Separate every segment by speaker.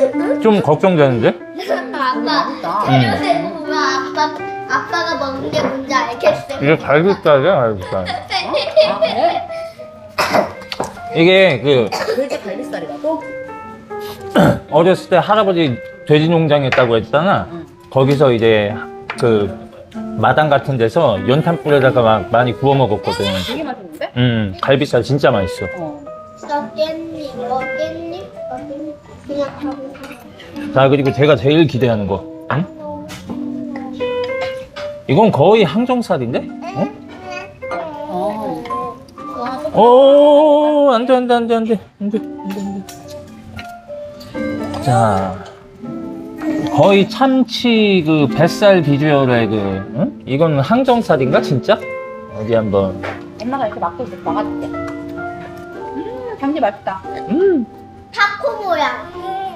Speaker 1: 좀 걱정되는데?
Speaker 2: 아빠 재료대로 보면 아빠가 먹는 게 뭔지 알겠어.
Speaker 1: 이게 갈비살이야, 갈비살. 이게
Speaker 3: 돼지 갈비살이라고?
Speaker 1: 어렸을 때 할아버지 돼지 농장 했다고 했잖아. 거기서 이제 마당 같은 데서 연탄불에다가 막 많이 구워 먹었거든.
Speaker 3: 되게 맛있는데?
Speaker 1: 갈비살 진짜 맛있어.
Speaker 2: 너 깻잎, 너 깻잎, 너 깻잎. 그냥 하고.
Speaker 1: 자, 그리고 제가 제일 기대하는 거. 응? 이건 거의 항정살인데? 오, 안 돼. 자, 거의 참치 뱃살 비주얼의 응? 이건 항정살인가, 진짜? 어디 한번.
Speaker 3: 엄마가 이렇게 막아줄게. 당지 맛있다.
Speaker 2: 타코 모양.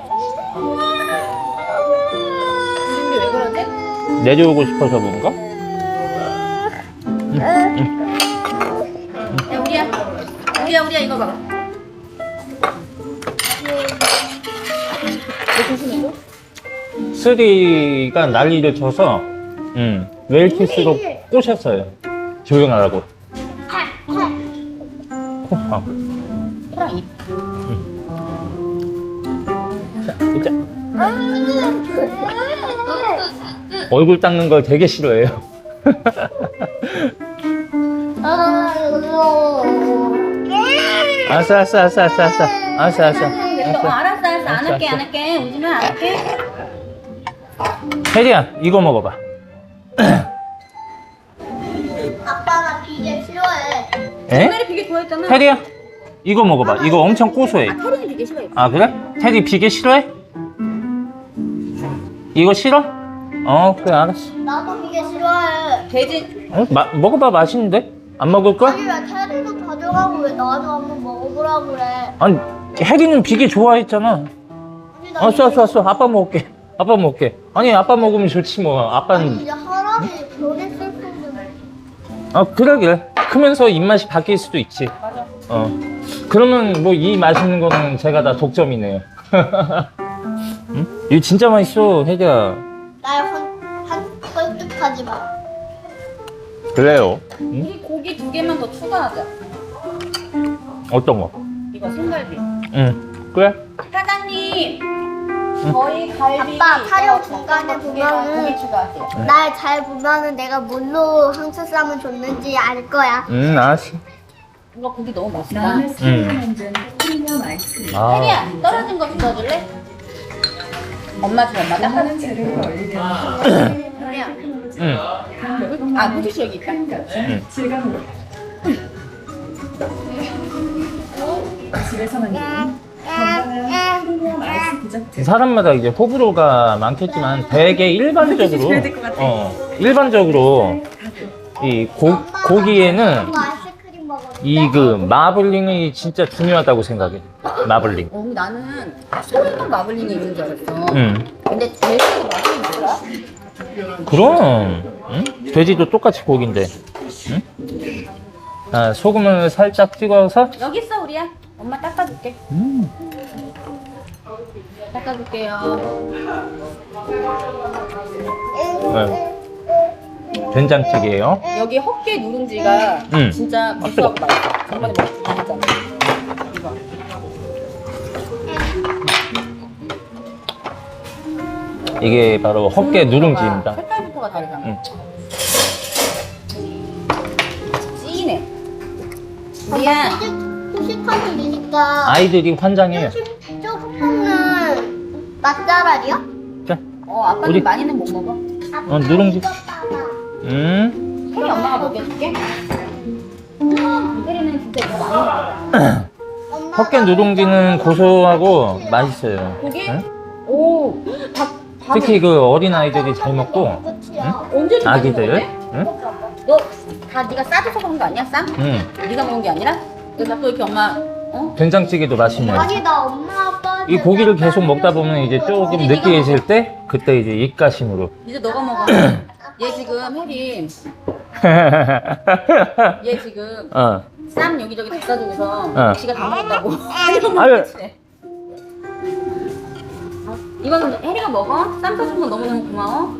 Speaker 3: 근데 왜 그러지?
Speaker 1: 내려오고 싶어서 그런가?
Speaker 3: 야, 우리야 이거 봐봐. 조심해줘.
Speaker 1: 쓰리가 난리를 쳐서 웰키스로 꼬셨어요. 조용하라고. 아.
Speaker 3: 호랑 입.
Speaker 1: 자, 진짜. 얼굴 닦는 걸 되게 싫어해요. 알았어.
Speaker 3: 알았어. 안 할게. 오지마, 안 할게.
Speaker 1: 혜리야, 이거 먹어봐.
Speaker 2: 아빠가 비계 싫어해.
Speaker 1: 에?
Speaker 3: 옛날에 비계 좋아했잖아.
Speaker 1: 혜리야, 이거 먹어봐. 이거 엄청 고소해.
Speaker 3: 테리는 비계 싫어해.
Speaker 1: 아, 그래? 테리 비계 싫어해? 이거 싫어? 그래, 알았어.
Speaker 2: 나도 비계 싫어해.
Speaker 3: 돼지.
Speaker 1: 먹어봐, 맛있는데? 안 먹을 거야?
Speaker 2: 아니 왜 테리도 가져가고 왜 나도 한번 먹어보라 그래.
Speaker 1: 아니, 혜리는 비계 좋아했잖아.
Speaker 2: 아니, 나
Speaker 1: 알았어. 아빠 먹을게. 아니, 아빠 먹으면 좋지, 뭐. 아빠는.
Speaker 2: 이제 할아버지 별이 슬픈데.
Speaker 1: 그래. 크면서 입맛이 바뀔 수도 있지.
Speaker 3: 맞아.
Speaker 1: 그러면 뭐 이 맛있는 거는 제가 다 독점이네요. 응? 이거 진짜 맛있어, 혜리야.
Speaker 2: 날 설득하지 마.
Speaker 1: 그래요.
Speaker 3: 이 고기 2개만 더 추가하자.
Speaker 1: 어떤 거?
Speaker 3: 이거 생갈비.
Speaker 1: 그래?
Speaker 3: 사장님. 저희 갈비.
Speaker 2: 아빠, 타령
Speaker 3: 이거
Speaker 2: 중간에
Speaker 3: 두 개만
Speaker 2: 보면은
Speaker 3: 고기 추가하세요.
Speaker 2: 날 잘 보면은 내가 뭘로 항수 쌈을 줬는지 알 거야.
Speaker 1: 알았어.
Speaker 3: 이거 고기 너무 맛있다.
Speaker 4: 나는 프리미엄 아이스크림.
Speaker 3: 혜리야, 떨어진 거 주워줄래? 엄마 줘, 엄마 닦아줄게.
Speaker 4: 하는 재료를 올리면
Speaker 3: 혜리야. 물티슈 여기 있다.
Speaker 4: 질감으로 집에서만 있는 건강한 프리미엄 아이스 디저트.
Speaker 1: 사람마다 이제 호불호가 많겠지만 되게 일반적으로 이 고기에는
Speaker 2: 뭐 아이스크림 먹어.
Speaker 1: 이 마블링이 진짜 중요하다고 생각해. 마블링.
Speaker 3: 나는 소금만 마블링이 있는 줄 알았어. 근데 돼지 마블링 뭐야?
Speaker 1: 그럼 돼지도 똑같이 고기인데. 소금을 살짝 찍어서.
Speaker 3: 여기 있어, 우리야. 엄마 닦아줄게. 닦아줄게요.
Speaker 1: 된장찌개예요.
Speaker 3: 여기 헛개 누룽지가 진짜 고소하고 맛있어. 정말 맛있잖아. 이거.
Speaker 1: 이게 바로 헛개 누룽지입니다.
Speaker 3: 색깔부터가 다르잖아. 찌네. 우리야.
Speaker 2: 후식하는 일이니까
Speaker 1: 아이들이 환장해요.
Speaker 2: 조금 먹는 맛잘알이야?
Speaker 1: 자,
Speaker 3: 아빠는
Speaker 1: 우리-
Speaker 3: 많이는 못 먹어.
Speaker 1: 누룽지.
Speaker 3: 혜리 엄마가 먹여줄게. 혜리는 진짜 이거 많이 먹어.
Speaker 1: 헛개 누룽지는 고소하고 맛있어요.
Speaker 3: 고기?
Speaker 1: 응?
Speaker 3: 오,
Speaker 1: 특히 어린 아이들이 잘 먹고
Speaker 3: 언제 좀
Speaker 1: 아기들.
Speaker 3: 많이
Speaker 1: 응?
Speaker 3: 너 다 네가 싸줘서 먹은 거 아니야, 쌈?
Speaker 1: 응.
Speaker 3: 네가 먹은 게 아니라? 그래서 또 이렇게 엄마
Speaker 1: 된장찌개도 맛있네요.
Speaker 2: 아니 나 엄마 아빠
Speaker 1: 이 고기를 계속 먹다 보면 이제 조금 느끼해질 때 그때 이제 입가심으로.
Speaker 3: 이제 너가 먹어. 얘 지금 혜리 얘 지금 쌈 여기저기 다 싸주고서 지가 다 먹었다고.
Speaker 1: 아유.
Speaker 3: 이거는 혜리가 먹어. 쌈 싸준 거 너무너무 고마워.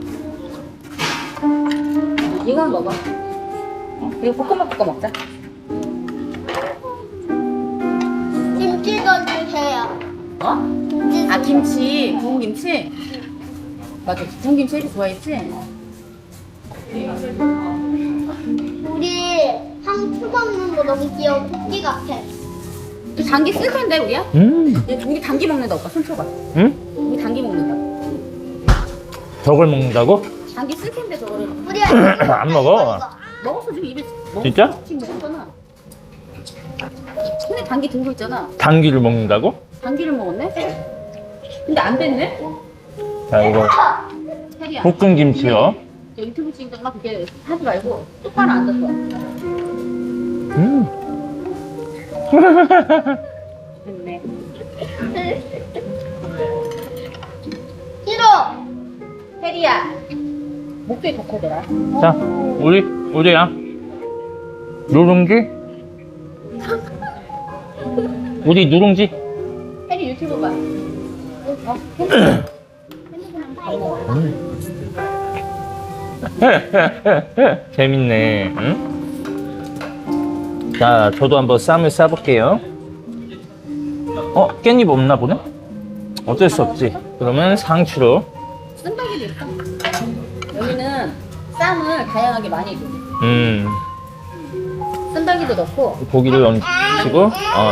Speaker 3: 이건 먹어. 그리고 볶음밥 볶아 먹자.
Speaker 2: 김치 던주세요.
Speaker 3: 어?
Speaker 2: 김치.
Speaker 3: 아 김치, 구운 김치. 맞아, 구운 김치 혜리 좋아했지?
Speaker 2: 우리 상추 먹는 거 너무 귀여워. 토끼 같아.
Speaker 3: 또 당기 쓸 텐데 우리야? 우리 당기 먹는다 오빠 손 쳐봐.
Speaker 1: 응?
Speaker 3: 우리 당기 먹는다.
Speaker 1: 저걸 먹는다고?
Speaker 3: 당기 쓸 텐데 저거를
Speaker 2: 우리
Speaker 1: 안 먹어.
Speaker 3: 먹었어 지금 입에 먹었어.
Speaker 1: 진짜?
Speaker 3: 지금 먹었잖아. 손에 당기 들고 있잖아.
Speaker 1: 당귀를 먹는다고?
Speaker 3: 당기를 먹었네? 근데 안 됐네?
Speaker 1: 자, 이거
Speaker 3: 혜리야.
Speaker 1: 볶은 김치요.
Speaker 3: 저 유튜브 찍는 거 그렇게 하지 말고 똑바로 앉아서. 됐네.
Speaker 2: 싫어.
Speaker 3: 혜리야. 목소리 더 커져라.
Speaker 1: 자, 우리야. 누룽지? 우리 누룽지?
Speaker 3: 혜리 유튜브 봐.
Speaker 1: 재밌네. 응? 자, 저도 한번 쌈을 싸볼게요. 깻잎 없나 보네? 어쩔 수 없지. 그러면 상추로.
Speaker 3: 쓴다기도 있어. 여기는 쌈을 다양하게 많이 줘. 쓴다기도 넣고
Speaker 1: 고기를 얹히고,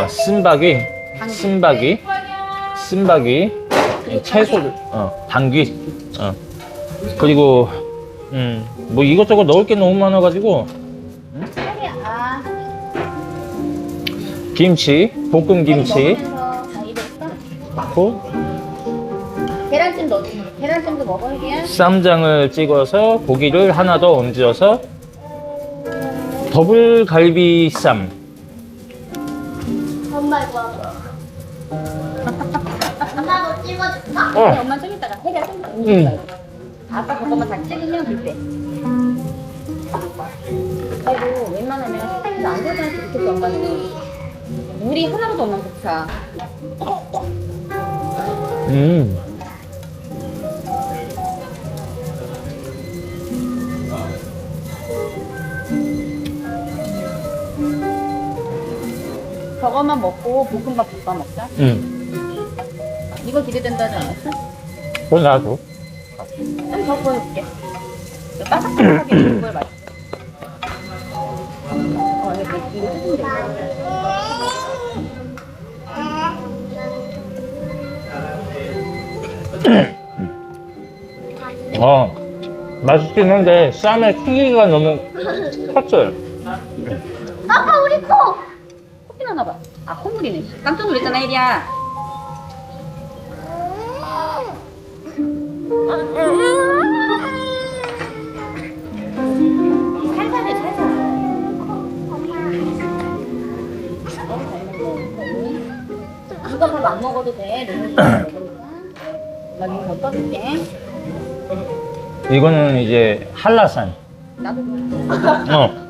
Speaker 1: 쓴바기, 채소를, 당귀, 그리고, 뭐 이것저것 넣을 게 너무 많아가지고,
Speaker 3: 혜리야.
Speaker 1: 김치, 볶음 김치,
Speaker 3: 다 익었어?
Speaker 1: 넣고,
Speaker 3: 계란찜 넣어. 계란찜도 먹어 혜리야.
Speaker 1: 쌈장을 찍어서 고기를 하나 더 얹어서 더블 갈비 쌈.
Speaker 2: 엄마 이거. 엄마도 찍어줄까?
Speaker 3: 엄마 좀 이따가 혜리야 좀 이따가. 아빠 그것만 다 찍으면 그때. 그리고 웬만하면 식당에서 안 되잖아 이렇게 엄마는. 물이 하나도 없는 국차. 저것만 먹고 볶음밥 볶아 먹자. 이거 기대된다지 않았어?
Speaker 1: 그건 나도.
Speaker 3: 좀 더 보여줄게. 이거 바삭바삭하게 먹을 맛. 이거 뜯으면 돼.
Speaker 1: 맛있긴 한데 쌈의 크기가 너무 컸어요.
Speaker 2: 아빠 우리 코.
Speaker 3: 코피 나나 봐. 아 콧물이네. 깜짝 놀랐잖아 혜리야. 살살해 살살. 이거 밥 안 먹어도 돼. 나 이거 더 떠줄게.
Speaker 1: 이거는 이제 한라산.
Speaker 3: 나도.
Speaker 1: 어.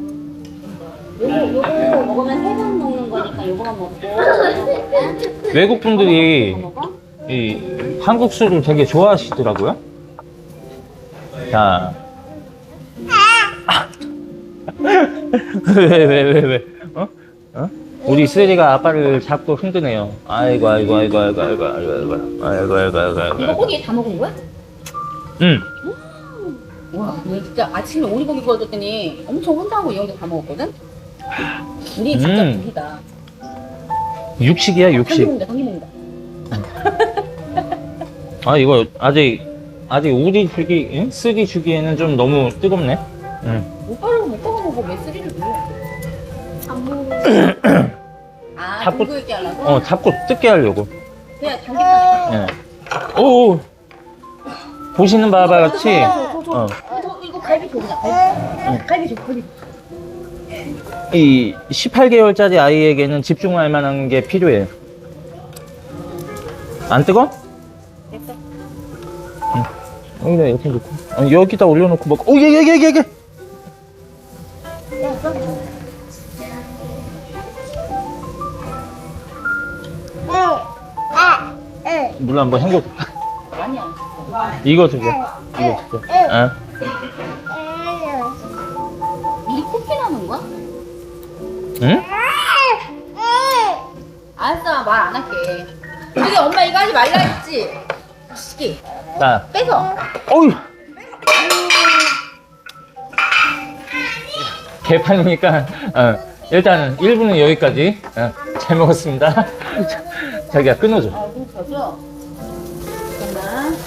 Speaker 3: 요거 먹으면 3번 먹는 거니까 요거만 먹고.
Speaker 1: 외국 분들이
Speaker 3: 먹어?
Speaker 1: 이 한국 술을 되게 좋아하시더라고요. 자. 왜? 우리 쓰리가 아빠를 자꾸 흔드네요. 아이고.
Speaker 3: 이거 고기 다 먹은 거야?
Speaker 1: 응.
Speaker 3: 와, 왜 진짜 아침에 오리고기 구워줬더니 엄청 혼자하고 이 형도 다 먹었거든? 우리 진짜 고기다.
Speaker 1: 육식이야,
Speaker 3: 당기
Speaker 1: 육식.
Speaker 3: 먹는다.
Speaker 1: 아, 이거 아직 우리 주기, 쓰리 주기에는 좀 너무 뜨겁네.
Speaker 3: 오빠를 못 먹어보고 왜 쓰리를 눌러?
Speaker 2: 안 먹어.
Speaker 3: 아,
Speaker 1: 자꾸-
Speaker 3: 들고 있게 하려고?
Speaker 1: 자꾸 뜯게 하려고.
Speaker 3: 그냥 당기만
Speaker 1: 예. 오. 보시는 바와 같이,
Speaker 3: 이거 갈비 줘, 그냥 갈비 줘, 갈비.
Speaker 1: 이 18개월짜리 아이에게는 집중할 만한 게 필요해요. 안 뜨거?
Speaker 3: 됐어.
Speaker 1: 여기다 이렇게 놓고. 여기다 올려놓고 먹고. 오, 예. 물 한번 헹궈.
Speaker 3: 아니야.
Speaker 1: 이거 주자. 이거 주자. 어?
Speaker 3: 이 코피 나는 거야?
Speaker 1: 응?
Speaker 3: 알았어, 말 안 할게. 근데 엄마 이거 하지 말라 했지? 시기
Speaker 1: 자,
Speaker 3: 빼서.
Speaker 1: 어휴. 개판이니까, 일단 1부는 여기까지. 잘 먹었습니다. 자기야, 끊어줘.
Speaker 3: 아, 좀 젖어.